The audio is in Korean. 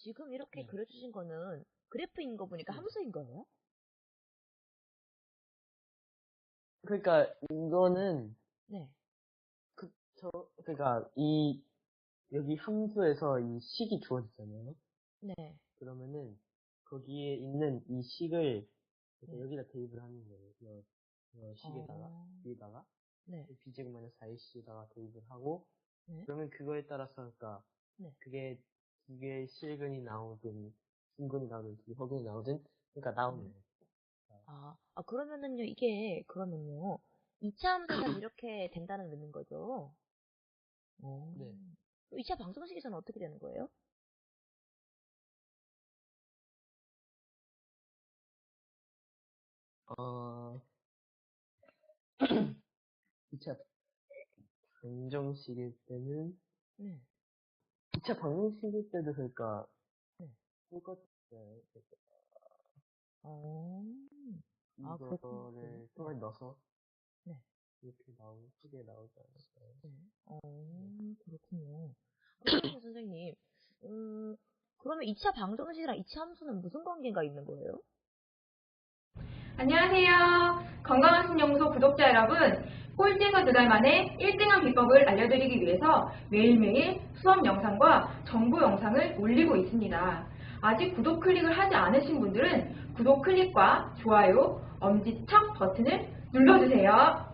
지금 이렇게 네. 그려주신 거는 그래프인 거 보니까 네. 함수인 거예요? 그러니까 이거는 네. 그러니까 여기 함수에서 이 식이 주어지잖아요. 네. 그러면은 거기에 있는 이 식을 네. 여기다 대입을 하는 거예요. 식에다가 위에다가 네. b제곱 마이너스 4ac에다가 대입을 하고 네. 그러면 그거에 따라서 그러니까 네. 그게 두 개의 실근이 나오든 중근이 나오든 두 개 허근이 나오든 그러니까 나오는 네. 거예요. 그러면은요, 그러면요, 2차 함수는 이렇게 된다는 의미인 거죠? 네. 2차 방정식에서는 어떻게 되는 거예요? 어, 2차 방정식일 때는 네. 2차 방정식일 때도 그러니까 네. 똑같아요. 그렇군요. 이거를 통에 넣어서 네. 이렇게 크게 나오지 않을까요? 네. 네. 그렇군요. 그러면 선생님, 그러면 2차 방정식이랑 2차 함수는 무슨 관계가 있는 거예요? 안녕하세요. 건강한 신연구소 구독자 여러분, 꼴찌에서 2달 만에 1등한 비법을 알려드리기 위해서 매일매일 수업 영상과 정보 영상을 올리고 있습니다. 아직 구독 클릭을 하지 않으신 분들은 구독 클릭과 좋아요, 엄지척 버튼을 눌러주세요.